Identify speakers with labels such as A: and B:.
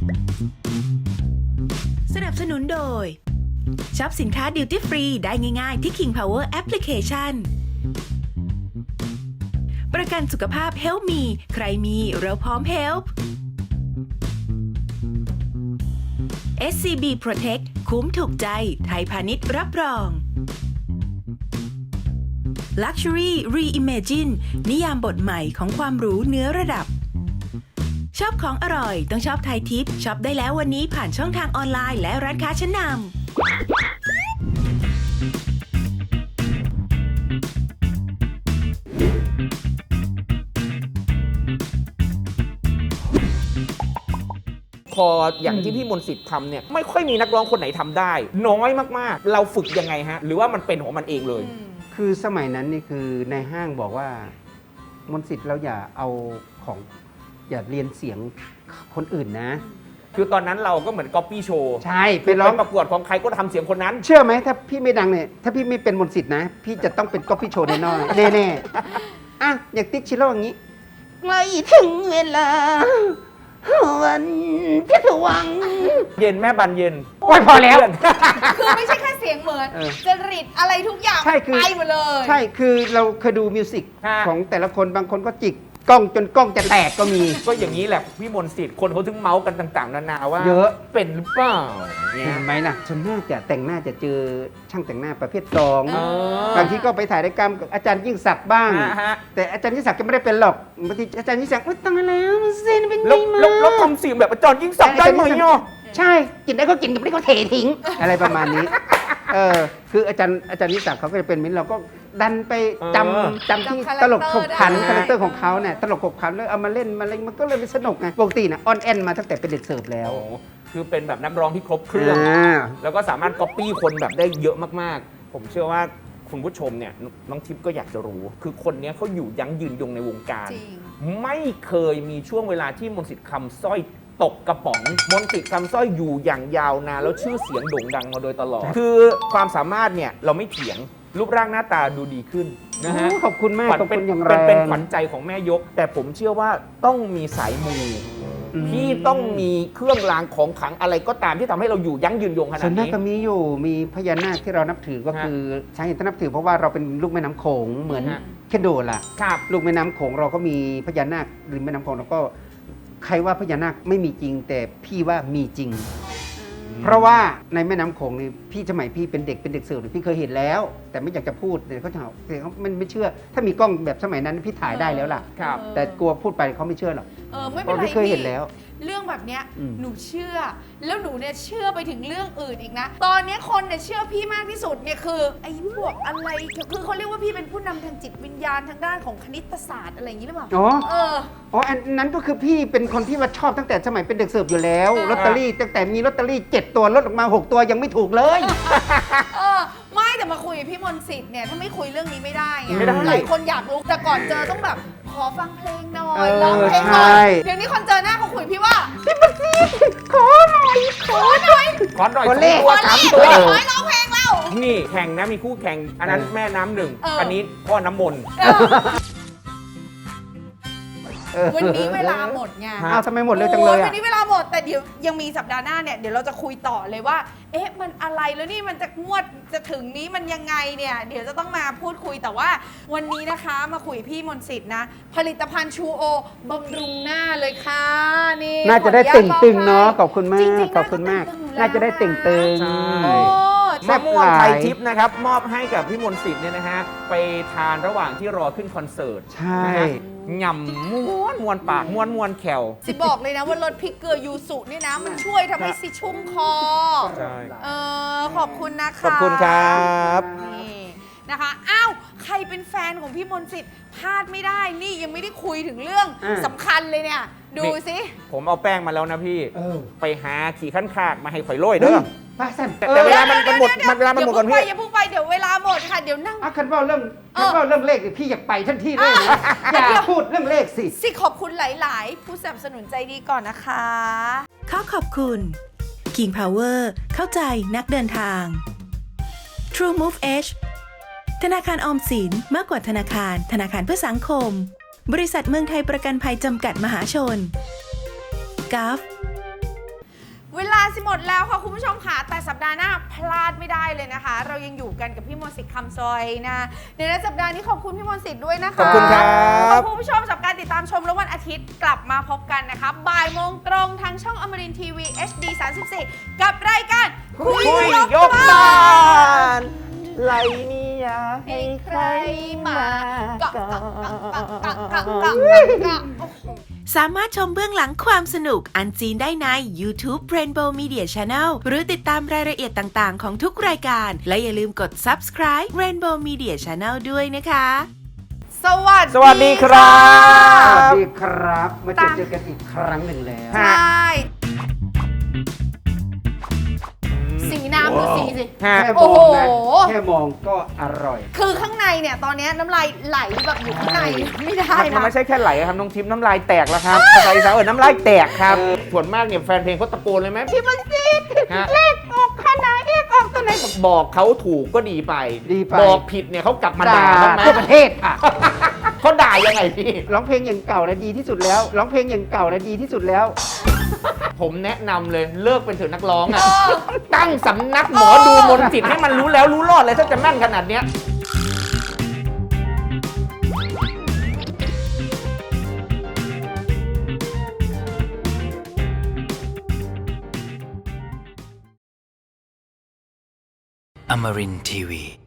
A: สนับสนุนโดยช็อปสินค้าดิวตี้ฟรีได้ง่ายๆที่ King Power Application ประกันสุขภาพ Help Me ใครมีเราพร้อม Help SCB Protect คุ้มถูกใจไทยพาณิชย์รับรอง Luxury Reimagine นิยามบทใหม่ของความหรูเนื้อระดับชอบของอร่อยต้องชอบไทยทิปช็อปได้แล้ววันนี้ผ่านช่องทางออนไลน์และร้านค้าชั้นนำ
B: พออย่างที่พี่มนต์สิทธิ์ทำเนี่ยไม่ค่อยมีนักร้องคนไหนทำได้ น้อยมากๆ เราฝึกยังไงฮะ หรือว่ามันเป็นของมันเองเลย
C: คือสมัยนั้นนี่คือในห้างบอกว่ามนต์สิทธิ์เราอย่าเอาของอย่าเรียนเสียงคนอื่นนะ
B: คือตอนนั้นเราก็เหมือนก๊อปปี้โชว์
C: ใช่ไป
B: ไป
C: ร้อง
B: ประกวดของใครก็ทำเสียงคนนั้น
C: เชื่อไหมถ้าพี่ไม่ดังเนี่ยถ้าพี่ไม่เป็นมนต์สิทธิ์นะ พี่จะต้องเป็นก๊อปปี้โชว์แน่นอนแน่ๆอ่ะอย่างติ๊กชิโร่อย่างนี้ใกล้ถึงเวลาวันพิศวัง
B: เย็นแม่บันเย็น
C: โอ้ยพอแล้ว
D: คือไม่ใช่แค่เสียงเหมือน
C: เออ
D: จริตอะไรทุกอย่าง
C: ใช่คือ
D: ไปหมดเลย
C: ใช่คือเราเคยดูมิวสิก
B: ฮะ
C: ของแต่ละคนบางคนก็จิกกล้องจนกล้องจะแตกก็มี
B: ก็อย่างนี้แหละพี่มนต์สิทธิ์คนเขาถึงเมาส์กันต่างๆนานาว่า
C: เยอะ
B: เป็นหรือเปล่าเนี่ย
C: เห็นไหมล่ะส่วนมากจะแต่งหน้าจะเจอช่างแต่งหน้าประเภทสอง
B: เออบ
C: างทีก็ไปถ่ายรายการกับอาจารย์ยิ่งศักดิ์บ้าง
B: ฮะ
C: แต่อาจารย์ยิ่งศักดิ์ก็ไม่ได้เป็นหรอกบางทีอาจารย์ยิ่งศักดิ์ตายแล้วเส้นเป็นไง
B: แล้ว
C: มา
B: แล้วทำเสียงแบบอาจารย์ยิ่งศักดิ์ได้ไหมเนาะ
C: ใช่กินได้ก็กินกินไม่ได้ก็เททิ้ง อะไรประมาณนี้คืออาจารย์ยิ่งศักดิ์เขาก็จะเป็นมิ้นเราก็ดันไปจำที่ตลกขบขันคาแรคเตอร์ของเขาเนี่ยตลกขบขันแล้วเอามาเล่นมาอะไรมันก็เลยเป็นสนุกไงปกตินะออนแอนมาตั้งแต่เป็นเด็กเสิร์ฟแล้ว
B: โอ้คือเป็นแบบนักร้องที่ครบเครื่อง
C: า
B: แล้วก็สามารถก๊อปปี้คนแบบได้เยอะมากๆ ผมเชื่อว่าคุณผู้ชมเนี่ยน้องทิพย์ก็อยากจะรู้ คือคนเนี้ยเขาอยู่ยั้งยืนยงในวงการ
D: จริง
B: ไม่เคยมีช่วงเวลาที่มนต์สิทธิ์คำสร้อยตกกระป๋อง มนต์สิทธิ์คำสร้อยอยู่อย่างยาวนานแล้วชื่อเสียงโด่งดังมาโดยตลอด คือความสามารถเนี่ยเราไม่เถียงรูปร่างหน้าตาดูดีขึ้นนะฮะ
C: โอ้ขอบคุณมาก
B: ขวัญ
C: ขอบ
B: เป็
C: คุ
B: น
C: ณอย่างแร
B: เป็น
C: ง
B: ขวัญใจของแม่ยก แต่ผมเชื่อว่าต้องมีสายมู ที่ต้องมีเครื่องรางของขลังอะไรก็ตามที่ทำให้เราอยู่ยั้งยืนยงขนา
C: ส่ว
B: ด
C: นมาก
B: นี้
C: ก็มีอยู่มีพญานาคที่เรานับถือก็คือสาเหตุที่นับถือเพราะว่าเราเป็นลูกแม่น้ำโขงเหมือน
B: ฮะ
C: แค่โดดล่ะ
B: ครับ
C: ลูกแม่น้ำโขงเราก็มีพญานาคริมแม่น้ำโขงเราก็ใครว่าพญานาคไม่มีจริง แต่พี่ว่ามีจริง เพราะว่าในแม่น้ำโขงนี่พี่สมัยพี่เป็นเด็กเสิร์ฟพี่เคยเห็นแล้ว แต่ไม่อยากจะพูดเดี๋ยวเขาจะหาเดี๋ยวเขาไม่เชื่อ ถ้ามีกล้องแบบสมัยนั้นพี่ถ่ายได้แล้วล่ะ
B: ครับ
C: แต่กลัวพูดไปเขาไม่เชื่อหรอก
D: ไม่
C: เพ
D: เป็น
C: ราะ
D: ไร
C: พี่เคยเห็นแล้ว
D: เรื่องแบบเนี้ย
C: อืม
D: หนูเชื่อ แล้วหนูเนี่ยเชื่อไปถึงเรื่องอื่นอีกนะ ตอนเนี้ยคนเนี่ยเชื่อพี่มากที่สุดเนี่ยคือไอ้พวกอะไรคือเขาเรียกว่าพี่เป็นผู้นำทางจิตวิญญาณทางด้านของคณิตศาสตร์อะไรอย่างนี้หรือเปล่า
C: อ๋อ
D: เออ
C: อ๋ออันนั้นก็คือพี่เป็นคนที่ว่าชอบตั้งแต่สมัยเป็นเด็กเสิร์ฟอยู่แล้ว
D: เออ
C: ลอตเตอรี่ตั้งแต่มีลอตเตอรี่7ตัวลดออกมา6ตัวยังไม่ถูกเลย
D: ไม่แต่มาคุยกับพี่มนต์สิทธิ์เนี่ยถ้าไม่คุยเรื่องนี้ไม่ได้ไง
B: ไม่ได้
D: หลายคนอยากรู้แต่ก่อนเจอต้องแบบขอฟังเพลงหน่อ
C: เอย อ
D: ร้องเพลงหน่อ
C: ใช่
D: ยเดี๋ยวนี้คนเจอหน้าเขาคุยพี่ว่า
C: ขอหน่อย
D: ขอหน่อย
B: ขอหน่อย
C: ขอเลข
B: ตัวสาม
D: ข
B: ตั
D: อ
B: ว
D: หน่อยร้องเพลงเรา
B: นี่แข่งนะมีคู่แข่ง อันนั้นแม่น้ำหนึ่ง
D: เอออั
B: อันนี้พ่อน้ำมนต์
D: วันนี้เวลาหมดไง
C: อ้าวทำไมหมดเร็วจังเลย
D: วั
C: อ่ะ
D: นนี้เวลาหมดแต่เดี๋ยวยังมีสัปดาห์หน้าเนี่ยเดี๋ยวเราจะคุยต่อเลยว่า เอ๊ะมันอะไรแล้วนี่มันจะงวดจะถึงนี้มันยังไงเนี่ยเดี๋ยวจะต้องมาพูดคุยแต่ว่า วันนี้นะคะมาคุยพี่มนต์สิทธิ์นะ ผลิตภัณฑ์ชูโอบำรุงหน้าเลยค่ะนี่
C: น่าจะได้
D: ขออ
C: ติ่
D: ญ
C: ง
D: ต
C: ตึง
D: บ
C: เนาะ
D: ให้
C: ขอบคุณมาก
D: จริงๆ
C: ขอบคุณมาก
D: น่าจะได้ตึงอยู่แล้ว
C: น่าจะได้ติ่งตึง
B: ใช่
D: โอ้
C: แซ่
B: มะ
C: บ
B: ม่วง
C: หลาย
B: ไทยทิพย์นะครับ มอบให้กับพี่มนต์สิทธิ์เนี่ยนะฮะ ไปทานระหว่างที่รอขึ้นคอนเสิร์ต
C: ใช่
B: นะฮะหย่ำม้วนปากม้วนแขว
D: สิบอกเลยนะว่ารสพริกเกลือยูสุนี่นะ มันช่วยทำให้สิชุ่มคอ
B: ใช่
D: ขอบคุณนะคะ
B: ขอบคุณครับ
D: นี่นะคะ อ้าว ใครเป็นแฟนของพี่มนต์สิทธิ์พลาดไม่ได้ นี่ยังไม่ได้คุยถึงเรื่อง
C: อ่า
D: สำคัญเลยเนี่ย ดูสิ
B: ผมเอาแป้งมาแล้วนะพี่
C: เออ
B: ไปหาขี่ขั้นคากมาให้ข่อยโรยเด้อ
C: ป้าสัน
B: แต่เวลามันหมดเวลามันหมดก่อนพี่
D: อย่าเพิ่งไปเดี๋ยวเวลาหมดค่ะ เดี๋ยวนั่ง
C: คันว่าเรื่องเลขพี่อยากไปทันทีเลยนะอย่าพูดเรื่องเลขสิ
D: สิขอบคุณหลาย ๆ ผู้สนับสนุนใจดีก่อนนะคะ
A: ขอขอบคุณ King Power เข้าใจนักเดินทาง True Move Edge ธนาคารออมสินมากกว่าธนาคารเพื่อสังคม บริษัทเมืองไทยประกันภัยจำกัดมหาชน GAF
D: เวลาสิหมดแล้วค่ะคุณผู้ชมค่ะแต่สัปดาห์หน้าพลาดไม่ได้เลยนะคะ เรายังอยู่กันกับพี่มนต์สิทธิ์คำซอยนะในสัปดาห์นี้ขอบคุณพี่มนต์สิทธิ์ด้วยนะคะ
B: ขอบคุณครับ
D: ขอบคุณผู้ชมสำหรับการติดตามชมแล้ววันอาทิตย์กลับมาพบกันนะคะบ่ายโมงตรงทางช่องอมรินทร์ทีวี HD 34กับรายการคุยยกบ้าน
B: ไรเนี่ยให้ใครมา
D: เกาะ
A: สามารถชมเบื้องหลังความสนุกอันซีนได้ใน YouTube Rainbow Media Channel หรือติดตามรายละเอียดต่างๆของทุกรายการ และอย่าลืมกด subscribe Rainbow Media Channel ด้วยนะคะ
D: สวัสดี
B: สวัสดีครั
C: สวัส
B: บ
C: ดีครับ มาเจอกันอีกครั้งหนึ่งแล้ว
D: ใช่สีน้ำดูสีสิ
B: ฮะ
C: แค่
D: โอ้
C: ม
D: โห
C: องนะแค่มองก็อร่อย
D: คือข้างในเนี่ยตอนนี้น้ำลายไหลแบบอยู่ข้างในไม่ได้
B: มัน
D: นะ
B: ไม่ใช่แค่ไหลครับน้องทิพย์น้ำลายแตกแล้วครับภาษาอีสานน้ำลายแตกครับ ส่วนมากเนี่ยแฟนเพลงเขาตะโกนเลยไหมพี่มนต์สิทธิ์เลขออกขนาดเลขออกตัวไหนบอกเขาถูกก็ดีไป
C: ดีไป
B: บอกผิดเนี่ยเขากลับมาด่าบ้างไหม
C: ทั่วประเทศค่ะ
B: เขาด่ายังไงพี่
C: ร้องเพลงอย่างเก่าและดีที่สุดแล้ว ร้องเพลงอย่างเก่าและดีที่สุดแล้ว
B: ผมแนะนำเลยเลิกเป็นเถอะนักร้องอ่ะ ตั้งสำนักหมอดูมนต์จิตให้มันรู้แล้วรู้รอดเลยถ้าจะแม่นขนาดเนี้ย
E: Amarin Tiwi.